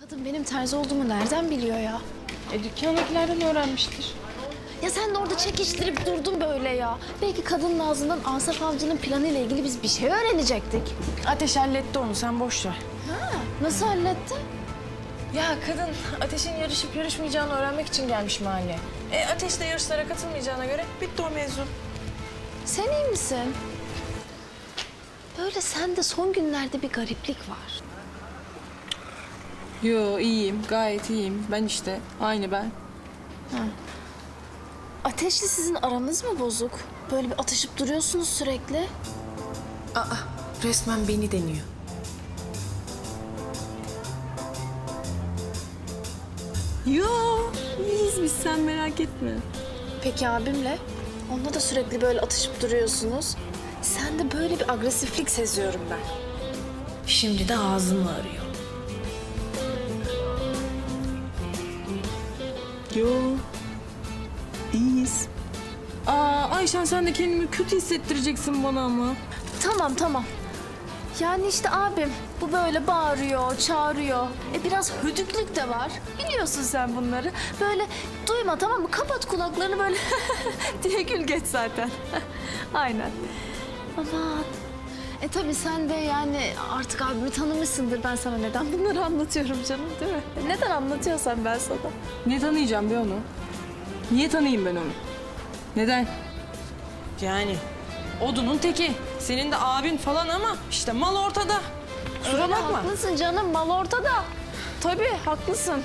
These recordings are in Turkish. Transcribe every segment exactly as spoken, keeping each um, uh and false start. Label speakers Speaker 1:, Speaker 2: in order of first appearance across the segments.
Speaker 1: Kadın benim terzi olduğumu nereden biliyor ya?
Speaker 2: E dükkandakilerden öğrenmiştir.
Speaker 1: Ya sen de orada çekiştirip durdun böyle ya. Belki kadının ağzından Asaf Avcı'nın planıyla ilgili biz bir şey öğrenecektik.
Speaker 2: Ateş halletti onu, sen boş ver.
Speaker 1: Ha, nasıl halletti?
Speaker 2: Ya kadın Ateş'in yarışıp yarışmayacağını öğrenmek için gelmiş mahalleye. E Ateş de yarışlara katılmayacağına göre bitti o mevzu.
Speaker 1: Sen iyi misin? Böyle sende son günlerde bir gariplik var.
Speaker 2: Yo iyiyim, gayet iyiyim. Ben işte, aynı ben.
Speaker 1: Ateşli sizin aranız mı bozuk? Böyle bir atışıp duruyorsunuz sürekli.
Speaker 2: Aa, resmen beni deniyor.
Speaker 3: Yo, iyiyiz biz, sen merak etme.
Speaker 1: Peki abimle? Onunla da sürekli böyle atışıp duruyorsunuz. Sende böyle bir agresiflik seziyorum ben.
Speaker 2: Şimdi de ağzımı arıyor.
Speaker 3: Yo, iyiyiz.
Speaker 2: Aa Ayşen, sen de kendimi kötü hissettireceksin bana ama.
Speaker 1: Tamam tamam. Yani işte abim bu böyle bağırıyor, çağırıyor. E biraz hödüklük de var. Biliyorsun sen bunları. Böyle duyma, tamam mı? Kapat kulaklarını böyle diye gül geç zaten. Aynen. Aman. E tabii sen de yani artık abimi tanımışsındır. Ben sana neden bunları anlatıyorum canım, değil mi? E, Neden anlatıyorsam ben sana.
Speaker 2: Ne tanıyacağım be onu? Niye tanıyayım ben onu? Neden? Yani odunun teki. Senin de abin falan ama işte mal ortada. Kusura
Speaker 1: Öyle
Speaker 2: bakma.
Speaker 1: haklısın canım, mal ortada. Tabii haklısın.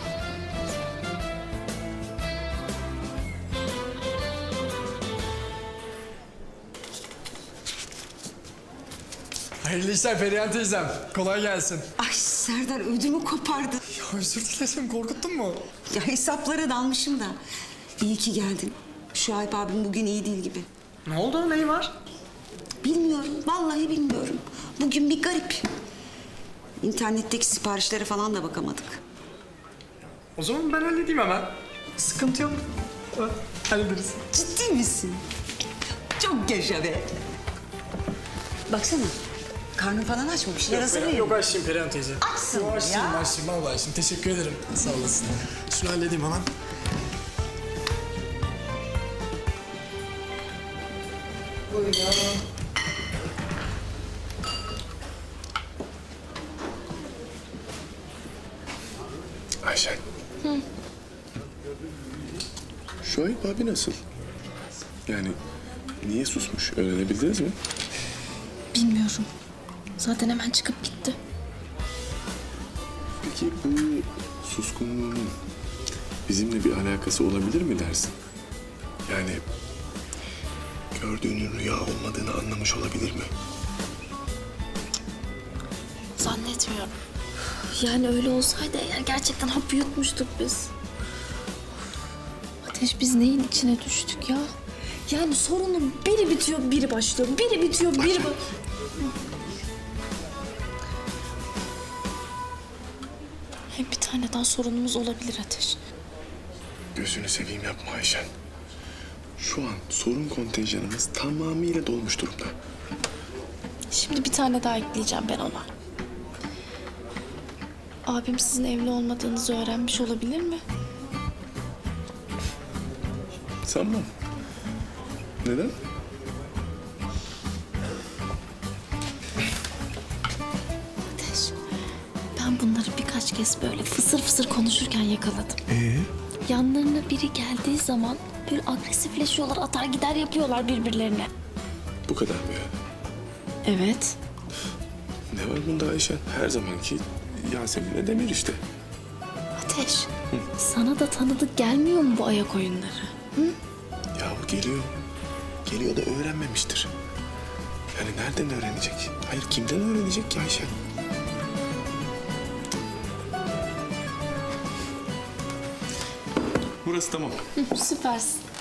Speaker 4: Hayırlı işler Perihan teyzem. Kolay gelsin.
Speaker 5: Ay Serdar ödümü kopardı.
Speaker 4: Ya özür dilerim, korkuttun mu?
Speaker 5: Ya hesaplara dalmışım da. İyi ki geldin. Şuayb abim bugün iyi değil gibi.
Speaker 4: Ne oldu, neyi var?
Speaker 5: Bilmiyorum, vallahi bilmiyorum. Bugün bir garip. İnternetteki siparişlere falan da bakamadık.
Speaker 4: O zaman ben halledeyim hemen. Sıkıntı yok. Ha, hallederiz.
Speaker 5: Ciddi misin? Çok yaşa be. Baksana, karnın falan aç mı? Bir şeyler hazırlayayım.
Speaker 4: Yok açayım Perihan teyze.
Speaker 5: Açsın
Speaker 4: Yok açayım,
Speaker 5: ya.
Speaker 4: açayım. Vallahi açayım. Teşekkür ederim. Sağ olasın. Şunu halledeyim hemen.
Speaker 6: Ayşen. Hı. Şuayb abi nasıl? Yani niye susmuş? Öğrenebildiniz mi?
Speaker 1: Bilmiyorum. Zaten hemen çıkıp gitti.
Speaker 6: Peki bu suskunluğunun bizimle bir alakası olabilir mi dersin? Yani gördüğünün rüya olmadığını anlamış olabilir mi?
Speaker 1: Zannetmiyorum. Yani öyle olsaydı eğer gerçekten hap yutmuştuk biz. Ateş, biz neyin içine düştük ya? Yani sorunun biri bitiyor, biri başlıyor. Biri bitiyor, biri başlıyor. Hem bir tane daha sorunumuz olabilir Ateş.
Speaker 6: Gözünü seveyim yapma Ayşen. Şu an sorun kontenjanımız tamamıyla dolmuş durumda.
Speaker 1: Şimdi bir tane daha ekleyeceğim ben ona. Abim sizin evli olmadığınızı öğrenmiş olabilir mi?
Speaker 6: Sanmam. Neden?
Speaker 1: Ateş, ben bunları birkaç kez böyle fısır fısır konuşurken yakaladım.
Speaker 6: Ee?
Speaker 1: Yanlarına biri geldiği zaman böyle agresifleşiyorlar, atar gider yapıyorlar birbirlerine.
Speaker 6: Bu kadar mı yani?
Speaker 1: Evet.
Speaker 6: Ne var bunda Ayşen? Her zamanki Yasemin'le Demir işte.
Speaker 1: Ateş, sana da tanıdık gelmiyor mu bu ayak oyunları?
Speaker 6: Yahu geliyor. Geliyor da öğrenmemiştir. Yani nereden öğrenecek? Hayır, kimden öğrenecek ki Ayşen? Burası tamam.
Speaker 1: Süpersin.